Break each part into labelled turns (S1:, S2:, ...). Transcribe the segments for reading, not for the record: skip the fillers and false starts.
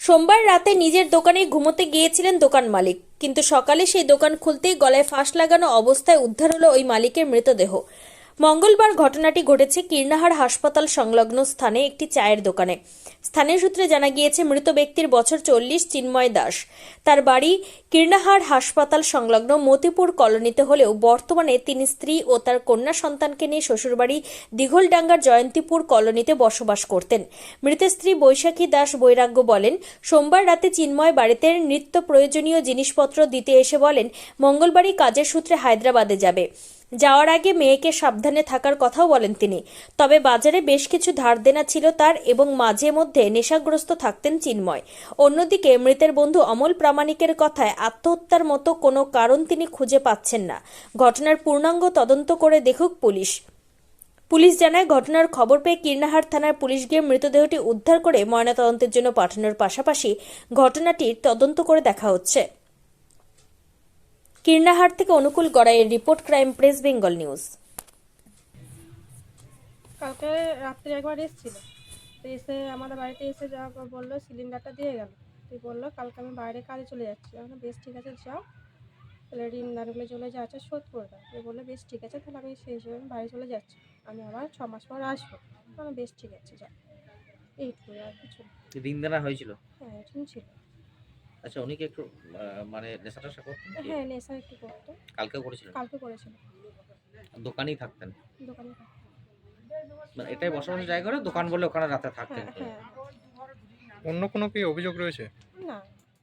S1: সোমবার রাতে নিজের দোকানে ঘুমোতে গিয়েছিলেন দোকান মালিক, কিন্তু সকালে সেই দোকান খুলতেই গলায় ফাঁস লাগানো অবস্থায় উদ্ধার হলো ওই মালিকের মৃতদেহ। মঙ্গলবার ঘটনাটি ঘটেছে কীর্ণাহার হাসপাতাল সংলগ্ন স্থানে একটি চায়ের দোকানে। স্থানীয় সূত্রে জানা গিয়েছে, মৃত ব্যক্তির বছর 40, চিন্ময় দাস। তার বাড়ি কীর্ণাহার হাসপাতাল সংলগ্ন মতিপুর কলোনিতে হলেও বর্তমানে তিনি স্ত্রী ও তার কন্যা সন্তানকে নিয়ে শ্বশুরবাড়ি দিঘলডাঙ্গার জয়ন্তীপুর কলোনিতে বসবাস করতেন। মৃতের স্ত্রী বৈশাখী দাস বৈরাগ্য বলেন, সোমবার রাতে চিন্ময় বাড়িতে নিত্য প্রয়োজনীয় জিনিসপত্র দিতে এসে বলেন মঙ্গলবারই কাজের সূত্রে হায়দ্রাবাদে যাবে। যাওয়ার আগে মেয়েকে সাবধানে থাকার কথাও বলেন তিনি। তবে বাজারে বেশ কিছু ধার দেনা ছিল তার এবং মাঝে মধ্যে নেশাগ্রস্ত থাকতেন চিন্ময়। অন্যদিকে মৃতের বন্ধু অমল প্রামাণিকের কথায় আত্মহত্যার মতো কোনো কারণ তিনি খুঁজে পাচ্ছেন না। ঘটনার পূর্ণাঙ্গ তদন্ত করে দেখুক পুলিশ। পুলিশ জানায়, ঘটনার খবর পেয়ে কীর্ণাহার থানার পুলিশ গিয়ে মৃতদেহটি উদ্ধার করে ময়নাতদন্তের জন্য পাঠানোর পাশাপাশি ঘটনাটির তদন্ত করে দেখা হচ্ছে। কীর্ণাহার থেকে অনুকূল গড়াইয়ের report, crime press, Bengal news.
S2: কালকে রাত্রে একবার এসেছিল, তো এসে আমাদের বাড়িতে এসে যা বললো সিলিন্ডারটা দিয়ে গেল। তুই বললো কালকে আমি বাইরে কাজে চলে যাচ্ছি। আমি বেশ ঠিক আছে যাও, তাহলে ঋণ দানগুলো চলে যাচ্ছে শোধ করে দাও। তুই বললো বেশ ঠিক আছে, তাহলে আমি সেই হিসেবে আমি বাড়ি চলে যাচ্ছি, আমি আবার 6 মাস পর আসবো। আমি বেশ ঠিক আছে যাও, এইটুকুই, আর কিছু না।
S3: ঋণ দেনা হয়েছিল?
S2: হ্যাঁ, ঋণ ছিল।
S3: আচ্ছা, উনি কি একটু মানে নেশাটা করতেন?
S2: হ্যাঁ, নেশা একটু করতো।
S3: কালকেও করেছিলেন?
S2: কালকে করেছিল।
S3: দোকানেই থাকতেন?
S2: দোকানে থাকতো।
S3: মানে এটাই বসবাসের জায়গা, করে দোকান বলে ওখানে রাতে থাকতেন?
S2: হ্যাঁ হ্যাঁ।
S4: অন্য কোনো কি অভিযোগ রয়েছে?
S2: না,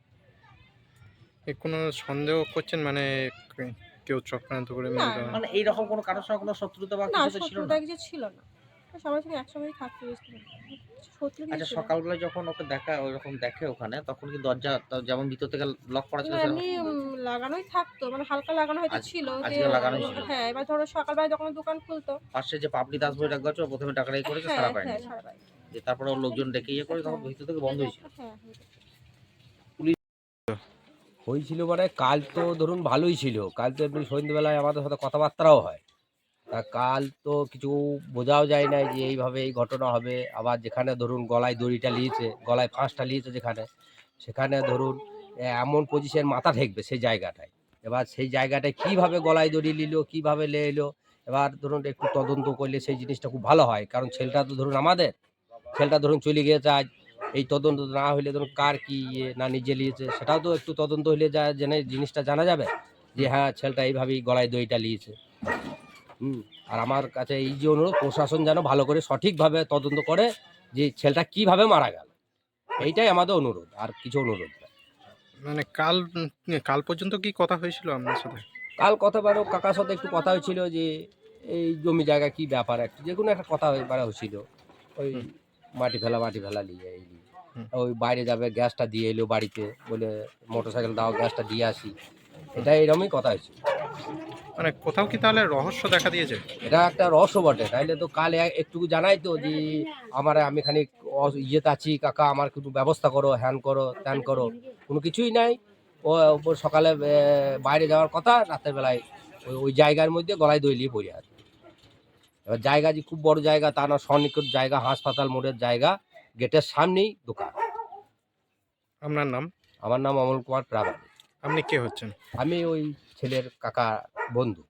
S4: কোনো সন্দেহ করছেন, মানে কেউ চক্রান্ত করে
S2: না,
S4: মেরে দেওয়া?
S3: মানে এইরকম কোনো কারোর সঙ্গে কোনো শত্রুতা বা
S2: না,
S3: কিছু তো ছিল
S2: শত্রুতা
S3: না?
S2: কিছু ছিল না। সবার সঙ্গে একসঙ্গেই থাকতে বুঝতে শত্রু কিছু
S3: আচ্ছা,
S2: ছিল না।
S3: সকালবেলা যখন ওকে দেখা ওইরকম দেখে ওখানে, তখন কি দরজা যেমন ভিতর থেকে লক করা ছিল
S2: না,
S3: সেরকম?
S2: এমনি লাগানোই থাকতো, মানে হালকা লাগানো হয়তো ছিল যে।
S3: আজকে লাগানোই ছিল?
S2: হ্যাঁ, এবার ধরো সকালবেলা যখন দোকান খুলতো।
S3: পাশে যে পাপড়ি দাস বই রাখা ছিল, প্রথমে টাকাটাই করেছে,
S2: হ্যাঁ
S3: সারা পায়নি।
S2: হ্যাঁ, সারা পাইনি।
S3: যে তারপরে ওর লোকজন ডেকে ইয়ে করে তখন ভিতর থেকে বন্ধ হয়েছিল।
S2: হ্যাঁ,
S5: হয়েছিল মানে কাল তো ধরুন ভালোই ছিল, কাল তো এমনি সন্ধ্যেবেলায় আমাদের সাথে কথাবার্তাও হয়। তা কাল তো কিছু বোঝাও যায় না যে এইভাবে এই ঘটনা হবে। আবার যেখানে ধরুন গলায় দড়িটা নিয়েছে, গলায় ফাঁসটা নিয়েছে যেখানে, সেখানে ধরুন এমন পজিশন মাথা ঠেকবে সেই জায়গাটায়। এবার সেই জায়গাটায় কিভাবে গলায় দড়ি নিল, কিভাবে লে এলো, এবার ধরুন একটু তদন্ত করলে সেই জিনিসটা খুব ভালো হয়। কারণ ছেলেটা তো ধরুন আমাদের, ছেলেটা ধরুন চলে গিয়েছে আজ, এই তদন্ত না হলে ধরুন কার কি ইয়ে না নিজে নিয়েছে সেটাও তো একটু তদন্ত হলে জেনে জিনিসটা জানা যাবে যে হ্যাঁ ছেলেটা এইভাবেই গলায় দইটা নিয়েছে। আর আমার কাছে এই যে অনুরোধ, প্রশাসন যেন ভালো করে সঠিকভাবে তদন্ত করে যে ছেলেটা কিভাবে মারা গেল, এইটাই আমাদের অনুরোধ, আর কিছু অনুরোধ না।
S4: মানে কাল পর্যন্ত কি কথা হয়েছিল আপনার সাথে?
S5: কাল কথা বারো কাকার সাথে একটু কথা হয়েছিল যে এই জমি জায়গা কি ব্যাপার, একটু যে কোনো একটা কথা হয়েছিল। ওই মাটি ফেলা নিয়ে এই নিয়ে। ওই বাইরে যাবে, গ্যাসটা দিয়ে এলো বাড়িতে, বলে মোটরসাইকেল দাও, গ্যাসটা দিয়ে আসি, এটা এরকমই কথা হয়েছিল।
S4: মানে কোথাও কি তাহলে রহস্য দেখা দিয়েছে?
S5: এটা একটা রহস্য বটে, তাইলে তো কাল একটু জানাই তো যে আমি খানিক ইয়েতে আছি কাকা, আমার একটু ব্যবস্থা করো, হ্যান করো ত্যান করো, কোনো কিছুই নাই। ও সকালে বাইরে যাওয়ার কথা, রাতের বেলায় ওই জায়গার মধ্যে গলায় দই নিয়ে পড়ে আছে। এবার জায়গা যে খুব বড় জায়গা তা না, সন্নিকট জায়গা, হাসপাতাল মোড়ের জায়গা, গেটের সামনেই দোকান।
S4: আপনার নাম?
S5: আমার নাম অমল কুমার প্রামাণিক।
S4: আপনি কে হচ্ছেন?
S5: আমি ওই ছেলের কাকা বন্ধু।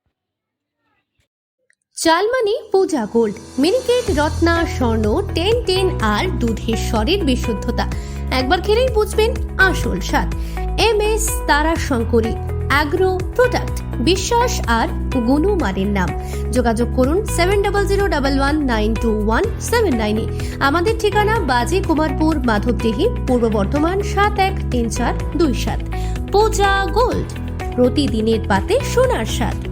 S6: চালমানি পূজা গোল্ড, মিনিকেট রত্না স্বর্ণ 1010 আর দুধের স্বরের বিশুদ্ধতা একবার খেলেই বুঝবেন আসল স্বাদ। MS তারা শঙ্করী অ্যাগ্রো প্রোডাক্ট, বিশ্বাস আর গুণমানের নাম। যোগাযোগ করুন 7001192179 আমাদের ঠিকানা বাজে কুমারপুর, মাধবদেহি, পূর্ব বর্ধমান 713427। পূজা গোল্ড, প্রতিদিনের পাতে সোনার স্বাদ।